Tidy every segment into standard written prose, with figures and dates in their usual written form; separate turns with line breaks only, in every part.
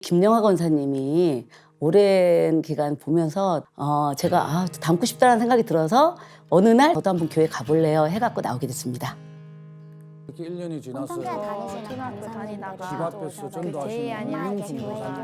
김영하 권사님이 오랜 기간 보면서 제가 닮고 싶다는 생각이 들어서 어느 날 저도 한번 교회 가볼래요 해갖고 나오게 됐습니다.
이렇게 1년이 지나서
초등학교 다니다가
집 앞에서 전도하시는
제이안이라는
권사님.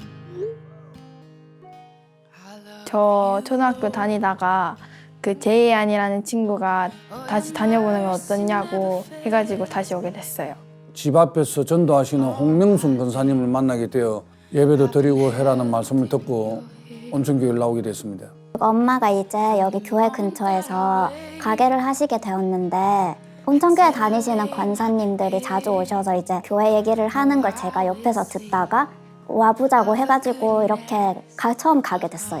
저 초등학교 다니다가 그 제이안이라는 친구가 다시 다녀보는 게 어떻냐고 해가지고 다시 오게 됐어요.
집 앞에서 전도하시는 홍명순 권사님을 만나게 되어 예배도 드리고 해라는 말씀을 듣고 온천교회를 나오게 됐습니다.
엄마가 이제 여기 교회 근처에서 가게를 하시게 되었는데 온천교회 다니시는 권사님들이 자주 오셔서 이제 교회 얘기를 하는 걸 제가 옆에서 듣다가 와보자고 해가지고 이렇게 처음 가게 됐어요.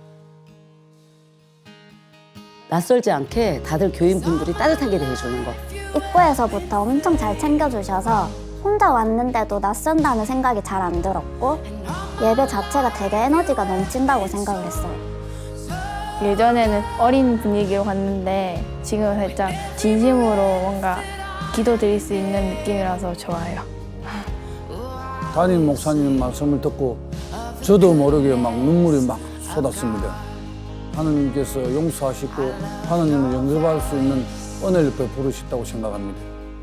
낯설지 않게 다들 교인분들이 따뜻하게 대해주는 거.
입구에서부터 엄청 잘 챙겨주셔서 혼자 왔는데도 낯선다는 생각이 잘 안 들었고 예배 자체가 되게 에너지가 넘친다고 생각을 했어요.
예전에는 어린 분위기로 갔는데 지금은 살짝 진심으로 뭔가 기도 드릴 수 있는 느낌이라서 좋아요.
담임 목사님 말씀을 듣고 저도 모르게 막 눈물이 막 쏟았습니다. 하나님께서 용서하시고 하나님을 영접할 수 있는 은혜를 베풀으셨다고 생각합니다.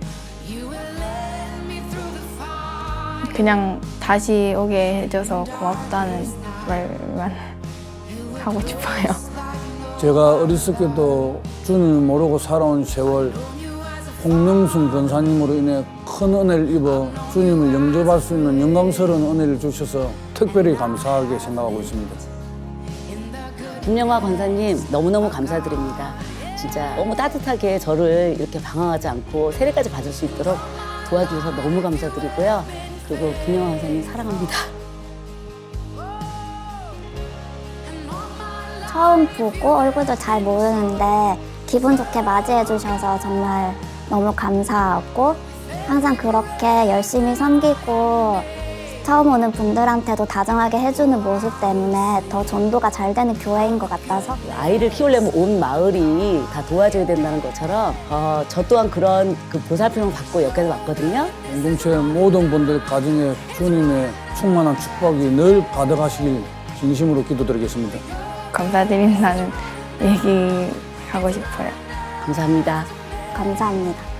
그냥 다시 오게 해줘서 고맙다는 말만 하고 싶어요.
제가 어렸을 때도 주님을 모르고 살아온 세월 홍명순 권사님으로 인해 큰 은혜를 입어 주님을 영접할 수 있는 영광스러운 은혜를 주셔서 특별히 감사하게 생각하고 있습니다.
김영하 권사님 너무너무 감사드립니다. 진짜 너무 따뜻하게 저를 이렇게 방황하지 않고 세례까지 받을 수 있도록 도와주셔서 너무 감사드리고요. 그리고 김영하 권사님 사랑합니다.
처음 보고 얼굴도 잘 모르는데 기분 좋게 맞이해 주셔서 정말 너무 감사하고 항상 그렇게 열심히 섬기고 처음 오는 분들한테도 다정하게 해주는 모습 때문에 더 전도가 잘 되는 교회인 것 같아서
아이를 키우려면 온 마을이 다 도와줘야 된다는 것처럼 저 또한 그런 보살핌을 받고 여기까지 왔거든요.
공동체 모든 분들 가정에 주님의 충만한 축복이 늘 가득하시길 진심으로 기도드리겠습니다.
감사드린다는 얘기 하고 싶어요.
감사합니다.
감사합니다.